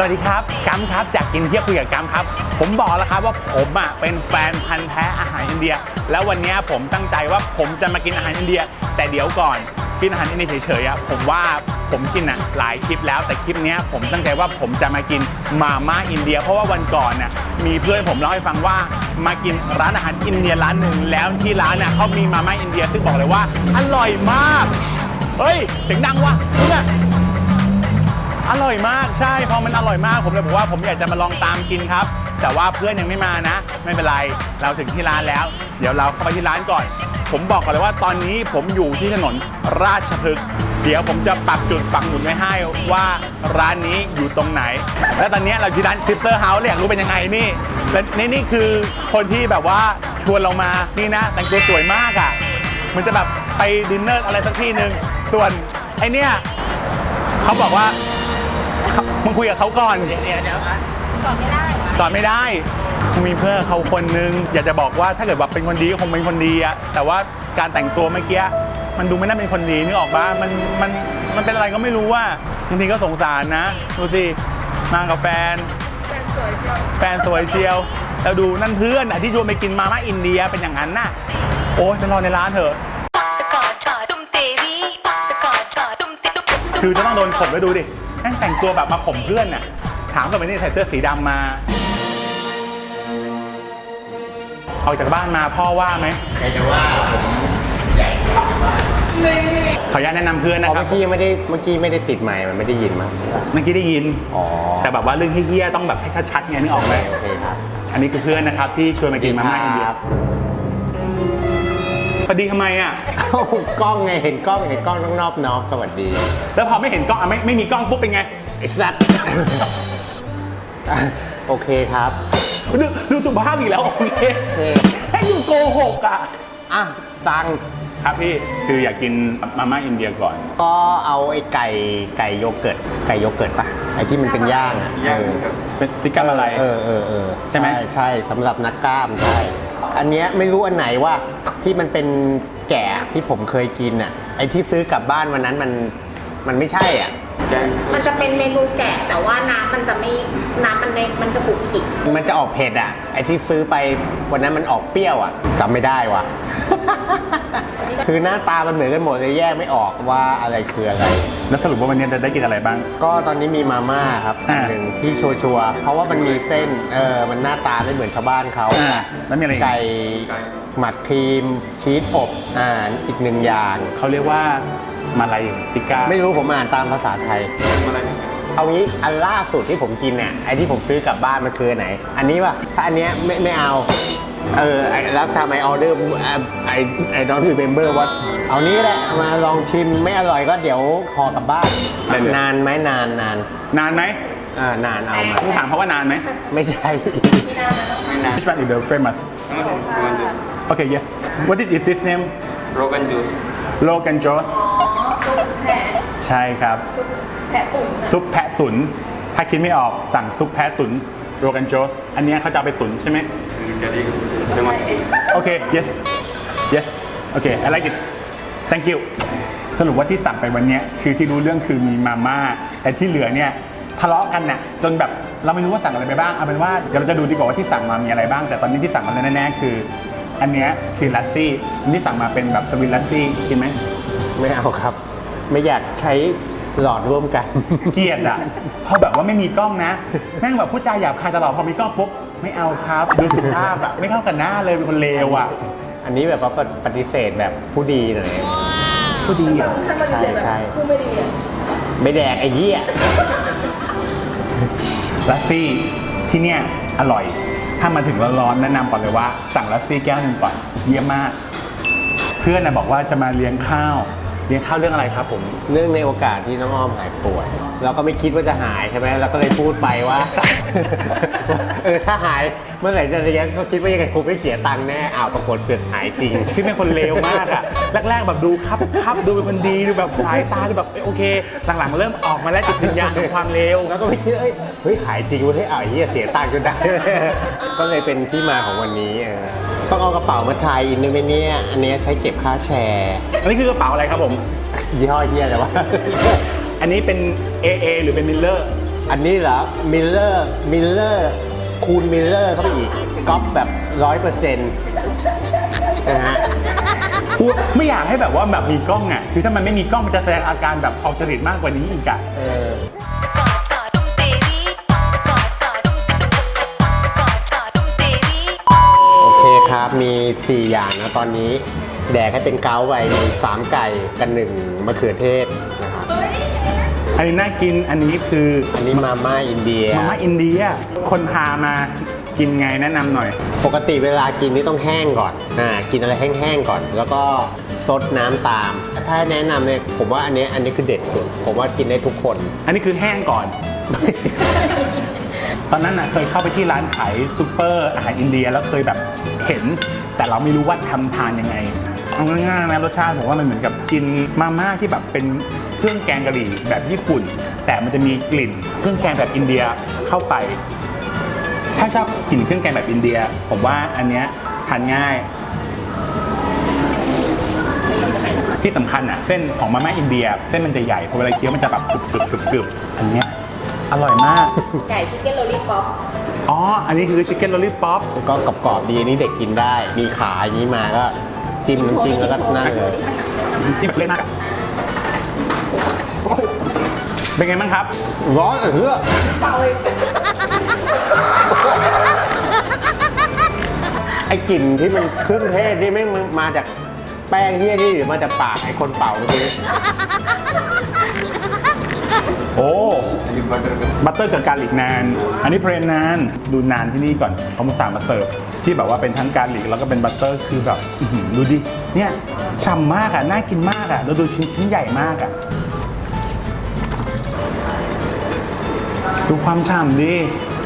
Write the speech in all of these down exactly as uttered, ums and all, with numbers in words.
วัสดีครับกัมครับจากกินเที่ยวคุยกับกัมครับผมบอกแล้วครับว่าผมอ่ะเป็นแฟนพันธุ์แท้อาหารอินเดียแล้ววันนี้ผมตั้งใจว่าผมจะมากินอาหารอินเดียแต่เดี๋ยวก่อนกินอาหารอินเดียเฉยๆอ่ะผมว่าผมกินอ่ะหลายคลิปแล้วแต่คลิปนี้ผมตั้งใจว่าผมจะมากินมาม่าอินเดียเพราะว่าวันก่อนน่ะมีเพื่อนผมเล่าให้ฟังว่ามากินร้านอาหารอินเดียร้านหนึ่งแล้วที่ร้านน่ะเขามีมาม่าอินเดียซึ่งบอกเลยว่าอร่อยมากเฮ้ยเสียงดังว่ะเนี่ยอร่อยมากใช่พอมันอร่อยมากผมเลยบอกว่าผมอยากจะมาลองตามกินครับแต่ว่าเพื่อนยังไม่มานะไม่เป็นไรเราถึงที่ร้านแล้วเดี๋ยวเราเข้าไปที่ร้านก่อนผมบอกก่อนเลยว่าตอนนี้ผมอยู่ที่ถนนราชพฤกษ์เดี๋ยวผมจะปักจุดปักหมุดไว้ให้ว่าร้านนี้อยู่ตรงไหนและตอนนี้เราที่ร้านคริปเตอร์เฮาส์อยากรู้เป็นยังไงนี่และนี่นี่คือคนที่แบบว่าชวนเรามานี่นะแต่งตัวสวยมากอ่ะมันจะแบบไปดินเนอร์อะไรสักที่หนึ่งส่วนไอเนี้ยเขาบอกว่ามึงคุยกับเขาก่อนเดี๋ยวเดี๋ยวก่อนไม่ได้ก่อนไม่ได้กูมีเพื่อนเขาคนนึงอยากจะบอกว่าถ้าเกิดว่าเป็นคนดีก็คงเป็นคนดีอะแต่ว่าการแต่งตัวเมื่อกี้มันดูไม่น่าเป็นคนดีนึกออกปะมันมันมันเป็นอะไรก็ไม่รู้ว่าบางทีก็สงสารนะดูสิมากับแฟนแฟนสวยเชียวแฟนสวยเชียวแล้วดูนั่นเพื่อนอะที่ชวนไปกินมาม่าอินเดียเป็นอย่างนั้นน่ะโอ๊ยไปรอในร้านเถอะคือจะต้องโดนข่มแล้วดูดินั่งแต่งตัวแบบมาข่มเพื่อนน่ะถามกับไปนี่ใส่เสื้อสีดำมาออกจากบ้านมาพ่อว่าไหมใครจะว่าผมใหญ่ขออนุญาตแนะนำเพื่อนนะครับเมื่อกี้ไม่ได้เมื่อกี้ไม่ได้ติดไมค์มันไม่ได้ยินมั้งเมื่อกี้ได้ยินอ๋อแต่แบบว่าเรื่องเฮี้ยๆต้องแบบให้ชัดๆไงนึกออกไหมโอเคครับอันนี้คือเพื่อนนะครับที่ชวนมากินมาม่าอินเดียสวัสดีทำไมอ่ะกล้องไงเห็นกล้องเห็นกล้องต้องนอบน้อมสวัสดีแล้วพอไม่เห็นกล้องอ่ะไม่ไม่มีกล้องปุ๊บเป็นไงไอ้สัตว์โอเคครับดูดูสุภาพอีกแล้วโอเคให้ดูโกหกอ่ะอ่ะสั่งครับพี่คืออยากกินมาม่าอินเดียก่อนก็เอาไอ้ไก่ไก่โยเกิร์ตไก่โยเกิร์ตป่ะไอ้ที่มันเป็นย่างอ่ะเป็นติ๊กกัมอะไรเออเออเออใช่ไหมใช่สำหรับนักกล้ามใช่อันเนี้ยไม่รู้อันไหนว่าที่มันเป็นแกะที่ผมเคยกินอ่ะไอ้ที่ซื้อกลับบ้านวันนั้นมันมันไม่ใช่อ่ะมันจะเป็นเมนูแกะแต่ว่าน้ำมันจะไม่น้ำมันในมันจะขูดขิดมันจะออกเผ็ดอ่ะไอ้ที่ซื้อไปวันนั้นมันออกเปรี้ยวอ่ะจำไม่ได้ว่ะ คือหน้าตามันเหมือนกันหมดเลยแยกไม่ออกว่าอะไรคืออะไรแล้วสรุปว่าวันนี้จะได้กินอะไรบ้างก็ตอนนี้มีมาม่าครับอันหนึ่งที่ชัวร์ๆเพราะว่ามันมีเส้นเออมันหน้าตาไม่เหมือนชาวบ้านเขาแล้วมีอะไรไก่หมักครีมชีสอบอ่านอีกหนึ่งอย่างเขาเรียกว่ามาลายติก้าไม่รู้ผมอ่านตามภาษาไทยเอางี้อันล่าสุดที่ผมกินเนี่ยไอ้ที่ผมซื้อกลับบ้านมันคือไหนอันนี้ป่ะถ้าอันเนี้ยไม่ไม่เอาเออแล้วทำไมออเดอร์ไอไอดอนคือเมมเบอร์ว่าเอานี้แหละมาลองชิมไม่อร่อยก็เดี๋ยวขอกลับบ้านนานไหมนานนานนานไหมอ่านานเอามาต้องถามเขาว่านานไหมไม่ใช่ Which one is the famous Okay yes What is this name Rogan Josh Rogan Josh ซุปแพะใช่ครับแพะตุ๋นซุปแพะตุ๋นถ้าคิดไม่ออกสั่งซุปแพะตุ๋น Rogan Josh อันนี้เขาจะไปตุ๋นใช่ไหมโอเค yes yes โอเค I like it thank you สรุปว่าที่สั่งไปวันนี้คือที่รู้เรื่องคือมีมาม่าแต่ที่เหลือเนี่ยทะเลาะกันน่ะจนแบบเราไม่รู้ว่าสั่งอะไรไปบ้างเอาเป็นว่าเดี๋ยวเราจะดูดีกว่าว่าที่สั่งมามีอะไรบ้างแต่ตอนนี้ที่สั่งมาแน่ๆคืออันนี้คือลัสซี่ที่สั่งมาเป็นแบบสวิตลัสซี่กินไหมไม่เอาครับไม่อยากใช้หลอดร่วมกันเกลียดอ่ะพอแบบว่าไม่มีกล้องนะแม่งแบบพูดจาหยาบคายตลอดพอมีกล้องปุ๊บไม่เอาครับดูสุภาพอ่ะไม่เข้ากันหน้าเลยเป็นคนเลวอ่ะอันนี้แบบว่าปฏิเสธแบบผู้ดีหน่อยผู้ดีอ่ะใช่ใช่ผู้ไม่ดีอ่ะไม่แดกไอ้เหี้ยลัสซี่ที่เนี่ยอร่อยถ้ามาถึงร้อนๆแนะนำก่อนเลยว่าสั่งลัสซี่แก้วหนึ่งก่อนเยี่ยมมากเพื่อนนะบอกว่าจะมาเลี้ยงข้าวเลี้ยงข้าวเรื่องอะไรครับผมเนื่องในโอกาสที่น้องอ้อมหายป่วยเราก็ไม่คิดว่าจะหายใช่ไหมเราก็เลยพูดไปว่าเออถ้าหายเมื่อไหร่จะเลี้ยงก็คิดว่ายังไงคงไม่เสียตังค์แน่อ้าวปรากฏเสือกหายจริงที่เป็นคนเลวมากอะแรกๆแบบดูครับครับดูเป็นคนดีดูแบบสายตาดูแบบโอเคหลังๆเริ่มออกมาแล้วจิตวิญญาณของความเลวแล้วก็ไม่คิดเอ้ยเฮ้ยหายจริงเฮ้ยอ้าวเหี้ยเสียตังค์จนได้ก็เลยเป็นที่มาของวันนี้ต้องเอากระเป๋ามาทายอินด้วยไหมเนี่ยอันนี้ใช้เก็บค่าแชร์อันนี้คือกระเป๋าอะไรครับผมยี่ห้อเฮียแต่ว่าอันนี้เป็น เอ เอ หรือเป็นมิลเลอร์อันนี้เหรอมิลเลอร์มิลเลอร์คูณมิลเลอร์เข้าไปอีกก๊อปแบบร้อยเปอร์เซ็นต์นะฮะกูไม่อยากให้แบบว่าแบบมีกล้องอ่ะคือถ้ามันไม่มีกล้องมันจะแสดงอาการแบบออกจริตมากกว่านี้อีกอ่ะเออโอเคครับมีสี่อย่างนะตอนนี้แดกให้เป็นเกาไปมีสามไก่กันหนึ่งมะเขือเทศนะครับอันนี้น่ากินอันนี้คืออันนี้มาม่าอินเดียมาม่าอินเดียคนพามากินไงแนะนำหน่อยปกติเวลากินนี่ต้องแห้งก่อนอ่ากินอะไรแห้งๆก่อน แล้วก็ซดน้ำตาม ถ้าแนะนำเนี่ยผมว่าอันนี้อันนี้คือเด็ดสุด ผมว่ากินได้ทุกคนอันนี้คือแห้งก่อน ตอนนั้นน่ะเคยเข้าไปที่ร้านขายซูเปอร์อาหารอินเดียแล้วเคยแบบเห็น แต่เราไม่รู้ว่าทำทานยังไงเอาง่ายๆนะรสชาติผมว่ามันเหมือนกับกินมาม่าที่แบบเป็นเครื่องแกงกะหรี่แบบญี่ปุ่น แต่มันจะมีกลิ่นเครื่องแกงแบบอินเดียเข้าไป ถ้าชอบกลิ่นเครื่องแกงแบบอินเดีย ผมว่าอันเนี้ยทานง่าย ที่สำคัญอ่ะเส้นของมาม่าอินเดีย เส้นมันจะใหญ่พอเวลาเคี้ยวมันจะแบบกรึบกรึบกรึบกรึบอันเนี้ยอร่อยมากไก่ชิคเก้นโรลลี่ป๊อปอ๋อ อันนี้คือชิคเก้นลอลลี่ป๊อปก็กรอบๆดีอันนี้เด็กกินได้ มีขาอย่างนี้มาก็จิ้มน้ำจิ้มแล้วก็นั่นเลยที่แบบเล่นมากอะเป็นไงบ้างครับร้อนเออเปล่าเลยไอ้กลิ่นที่มันเครื่องเทศนี่ไม่งมาจากแป้งเฮี้ยนี่หรือมาจากปากไอ้คนเป่าเมื่อกี้โอ้บัตเตอร์กับการลิกนาน อันนี้เพลนนาน ดูนานที่นี่ก่อนเขามาสั่งมาเสิร์ฟที่แบบว่าเป็นทั้งการลิกแล้วก็เป็นบัตเตอร์คือแบบอื้อหือดูดิ เนี่ยฉ่ำมากอ่ะ น่ากินมากอ่ะ แล้วดูชิ้นชิ้นใหญ่มากอ่ะ ดูความฉ่ำดิ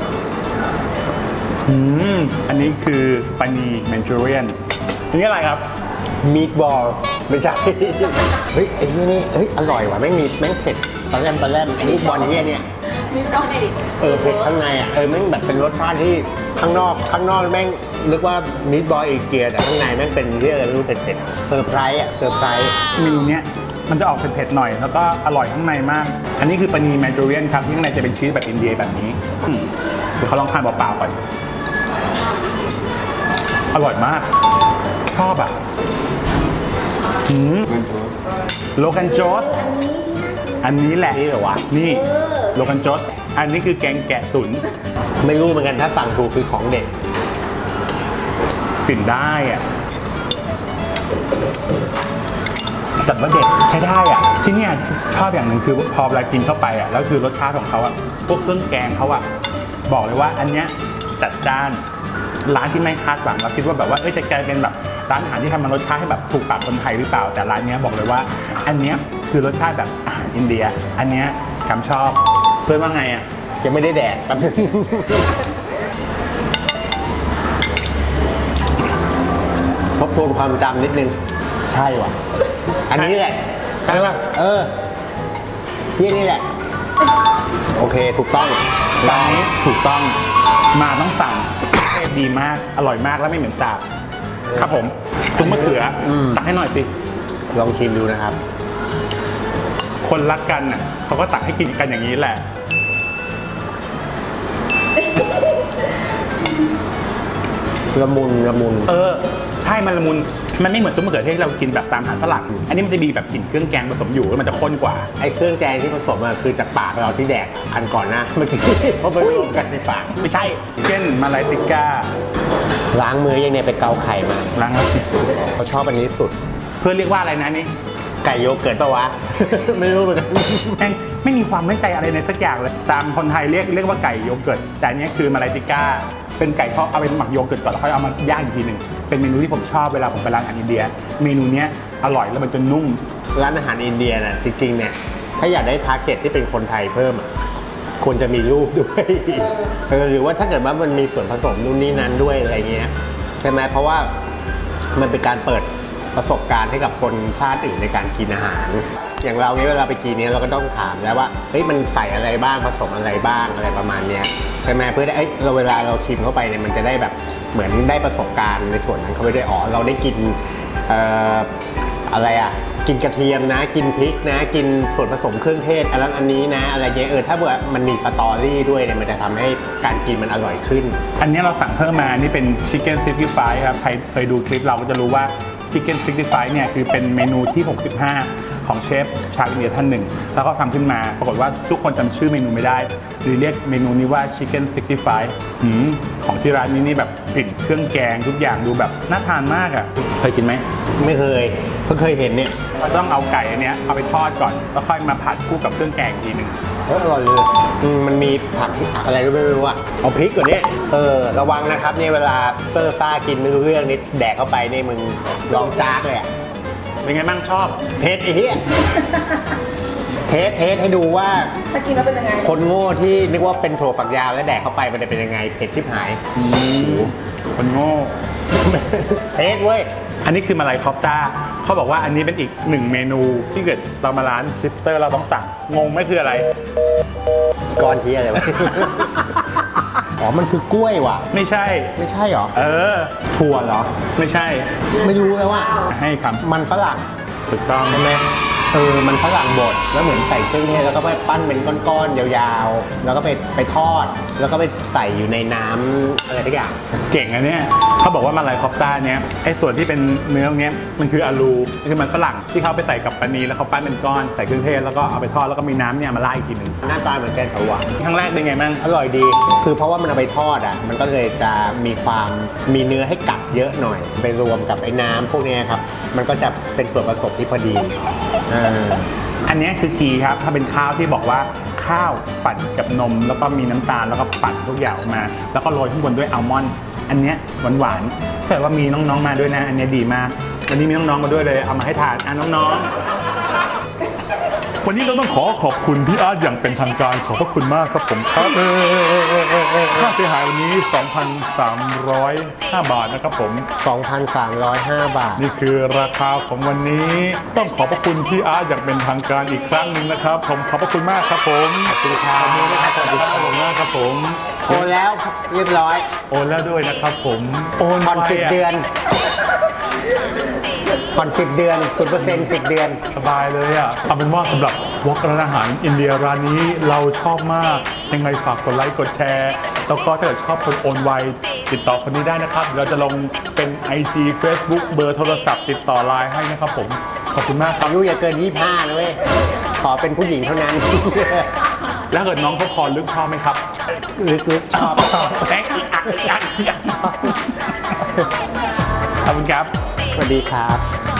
อืมอันนี้คือปานีแมนจูเรียนอันนี้อะไรครับมีดบอลไม่ใช่ เฮ้ยไอ้นี่นี่เฮ้ยอร่อยว่ะแม่งมีแม่งเผ็ดตอนแรกตอนแรกมีดบอลเฮี้ยเนี่ยมีร้อนดิเออเผ็ดข้างในอ่ะเออแม่งแบบเป็นรสชาติที่ข้างนอกข้างนอกแม่งนึกว่ามีดบอลเอเกียแต่ข้างในแม่งเป็นเรื่องอะไรไม่รู้เผ็ดๆเซอร์ไพรส์อ่ะเซอร์ไพรส์เมนูเนี้ยมันจะออกเผ็ดๆหน่อย แล้วก็อร่อยข้างในมาก อันนี้คือปานีแมนจูเรียนครับที่ข้างในจะเป็นชีสแบบอินเดียแบบนี้อืมเดี๋ยวเขาลองทานเปล่าๆก่อน อร่อยมาก ชอบอ่ะอืมโลกันโจสอันนี้แหละนี่เหรอวะนี่โลกันโจสอันนี้คือแกงแกะตุ๋นไม่รู้เหมือนกันถ้าสั่งถูกคือของเด็ดกลิ่นได้อ่ะจัดว่าเด็ดใช้ได้อ่ะ ที่เนี่ยชอบอย่างหนึ่งคือพอเวลากินเข้าไปอ่ะแล้วคือรสชาติของเขาอ่ะพวกเครื่องแกงเขาอ่ะบอกเลยว่าอันเนี้ยจัดจ้านร้านที่ไม่คาดหวังเราคิดว่าแบบว่าเอ้ยจะกลายเป็นแบบร้านอาหารที่ทำมารสชาติให้แบบถูกปากคนไทยหรือเปล่าแต่ร้านเนี้ยบอกเลยว่า อันเนี้ยคือรสชาติแบบอาหารอินเดีย อันเนี้ยคำชอบเพื่อนว่าไงอ่ะยังไม่ได้แดกแป๊บนึงทบทวนความจำนิดนึง ใช่ว่ะ อันนี้แหละใช่ป่ะเออที่นี่แหละ โอเคถูกต้องร้านนี้ถูกต้องมาต้องสั่ง ดีมากอร่อยมากแล้วไม่เหม็นสาบครับผมซุปมะเขืออตักให้หน่อยสิลองชิมดูนะครับคนรักกันน่ะเขาก็ตักให้กินกันอย่างนี้แหละละมุนละมุนเออ ใช่มันละมุนมันไม่เหมือนซุปมะเขือเทศที่เรากินแบบตามอาหารฝรั่งอันนี้มันจะมีแบบกลิ่นเครื่องแกงผสมอยู่แล้วมันจะข้นกว่าไอ้เครื่องแกงที่ผสมอะคือจากปากเราที่แดกอันก่อนหนะเมื่อกี้เพราะไปรวมกันในปากไม่ใช่เช่นมาลายติก้าล้างมือยังเนี่ยไปเกาไข่มาล้างแล้วสิเขาชอบอันนี้สุดเพื่อนเรียกว่าอะไรนะนี่ไก่โยเกิร์ตปะวะ ไม่รู้เหมือนกันแม่งไม่มีความมั่นใจอะไรในสักอย่างเลยตามคนไทยเรียกเรียกว่าไก่โยเกิร์ตแต่อันเนี้ยคือมาลายติก้าเป็นไก่ทอดเอาเป็นหมักโยเกิร์ตก่อนแล้วค่อยเอามาย่างอีกทีหนึ่งเป็นเมนูที่ผมชอบเวลาผมไปร้านอาหารอินเดีย เมนูเนี้ยอร่อยแล้วมันจะนุ่มร้านอาหารอินเดียน่ะจริงๆเนี่ยถ้าอยากได้ทาร์เก็ตที่เป็นคนไทยเพิ่มอะควรจะมีรูปด้วยเออหรือว่าถ้าเกิดว่ามันมีส่วนผสมนู่นนี่นั้นด้วยอะไรเงี้ยใช่ไหมเพราะว่ามันเป็นการเปิดประสบการณ์ให้กับคนชาติอื่นในการกินอาหาร อย่างเราเนี่ยเวลาไปกินเนี่ยเราก็ต้องถามแล้วว่าเฮ้ยมันใส่อะไรบ้างผสมอะไรบ้างอะไรประมาณเนี้ยใช่ไหมเพื่อได้เอ้ยเราเวลาเราชิมเข้าไปเนี่ยมันจะได้แบบเหมือนได้ประสบการณ์ในส่วนนั้นเข้าไปด้วยอ๋อเราได้กินเอ่ออะไรอะกินกระเทียมนะ กินพริกนะ กินส่วนผสมเครื่องเทศอันนั้นอันนี้นะ อะไรเงี้ยเออถ้าเบื่อมันมีสตอรี่ด้วยเนี่ยมันจะทำให้การกินมันอร่อยขึ้นอันนี้เราสั่งเพิ่มมานี่เป็น Chicken ซิกสตี้ไฟว์ ครับใครเคยดูคลิปเราก็จะรู้ว่า Chicken ซิกสตี้ไฟว์ เนี่ยคือเป็นเมนูที่ หกสิบห้า ของเชฟชาวอินเดียท่านหนึ่งแล้วก็ทำขึ้นมาปรากฏว่าทุกคนจำชื่อเมนูไม่ได้หรือเรียกเมนูนี้ว่า Chicken ซิกสตี้ไฟว์ หืมของที่ร้านนี้นี่แบบกลิ่นเครื่องแกงทุกอย่างดูแบบน่าทานมากอ่ะเคยกินไหมไม่เคยเพิ่งเคยเห็นเนี่ยเราต้องเอาไก่อันเนี้ยเอาไปทอดก่อนแล้วค่อยมาผัดคู่กับเครื่องแกงอีกทีหนึ่งเอออร่อยเลยอืมมันมีผักอะไรด้วยไม่รู้อ่ะเอาพริกก่อนเนี่ยเออระวังนะครับเนี่ยเวลาเซอร์ซ่ากินไม่รู้เรื่องนี่แดกเข้าไปนี่มึงร้องจากเลยอ่ะเป็นไงบ้างชอบเทสไอ้เหี้ยเทสเทสให้ดูว่าถ้ากินแล้วเป็นยังไงคนโง่ที่นึกว่าเป็นถั่วฝักยาวแล้วแดกเข้าไปมันจะเป็นยังไงเผ็ดชิบหายคนโง่เทสเว้ยอันนี้คือมาลายคอปต้าเขาบอกว่าอันนี้เป็นอีกหนึ่งเมนูที่เกิดเรามาร้านซิสเตอร์เราต้องสั่งงงไหม่คืออะไรก้อนเทียอะไรวะ อ๋อมันคือกล้วยว่ะไม่ใช่ไม่ใช่เหรอเออถั่วเหรอไม่ใช่ไม่รู้แล้วว่าให้คมันฝรั่งำถูกต้องใช่ไหมเออมันฝรั่งบดแล้วเหมือนใส่เครื่องเทศแล้วก็ไปปั้นเป็นก้อนๆยาวๆ แล้วก็ไปไปทอด แล้วก็ไปใส่อยู่ในน้ำอะไรทุกอย่างเก่งอันเนี้ยเขาบอกว่ามาลายคอปต้าเนี้ยไอ้ส่วนที่เป็นเนื้อเนี้ยมันคืออาลูคือมันฝรั่งที่เขาไปใส่กับปานีแล้วเขาปั้นเป็นก้อนใส่เครื่องเทศแล้วก็เอาไปทอดแล้วก็มีน้ำเนี่ยมาราดอีกทีหนึ่งหน้าตาเหมือนแกงเขียวหวานครั้งแรกเป็นไงมั่งอร่อยดี คือเพราะว่ามันเอาไปทอดอ่ะ มันก็เลยจะมีความมีเนื้อให้กัดเยอะหน่อย ไปรวมกับไอ้น้ำพวกเนี้ยครับ มันก็จะเป็นส่วนผสมที่พอดีเอออันเนี้ยคือคีย์ครับถ้าเป็นข้าวที่บอกว่าข้าวปั่นกับนม แล้วก็มีน้ำตาลแล้วก็ปั่นทุกอย่างออกมา แล้วก็โรยข้างบนด้วยอัลมอนด์อันเนี้ยหวานๆแต่ว่ามีน้องๆมาด้วยนะ อันเนี้ยดีมากวันนี้มีน้องๆมาด้วยเลยเอามาให้ทานอ่ะน้องๆวันนี้เราต้องขอขอบคุณพี่อาร์ตอย่างเป็นทางการขอบพระคุณมากครับผมครับค่าเสียหายวันนี้ สองพันสามร้อยห้า บาทนะครับผมสองพันสามร้อยห้า บาทนี่คือราคาของวันนี้ต้องขอบพระคุณพี่อาร์ตอย่างเป็นทางการอีกครั้งหนึ่งนะครับผมขอบพระคุณมากครับผมขอบคุณครับขอบคุณนะครับขอบคุณมากครับผมโอนแล้วเรียบร้อยโอนแล้วด้วยนะครับผมโอนผ่อนไปสิบะเดือนผ่อนสิบเดือนศูนย์เปอร์เซ็นต์สิบเดือนสบายเลยอ่ะเอาเป็นว่าสำหรับวอล์กร้านอาหารอินเดียร้านนี้เราชอบมากยังไงฝากกดไลค์กดแชร์แล้วก็ถ้าเกิดชอบคนโอนไวติดต่อคนนี้ได้นะครับเดี๋ยวเราจะลงเป็น ไอ จี Facebook เบอร์โทรศัพท์ติดต่อไลน์ให้นะครับผมขอบคุณมากครับอายุอย่าเกินยี่สิบห้านะเว้ย ขอเป็นผู้หญิงเท่านั้นแล้วเกิดน้องเขาคอลึกชอบไหมครับลึกๆชอบแอ๊ะอีกอ่ะอีกอ่ะอีกอ่ะขอบคุณครับสวัสดีครับ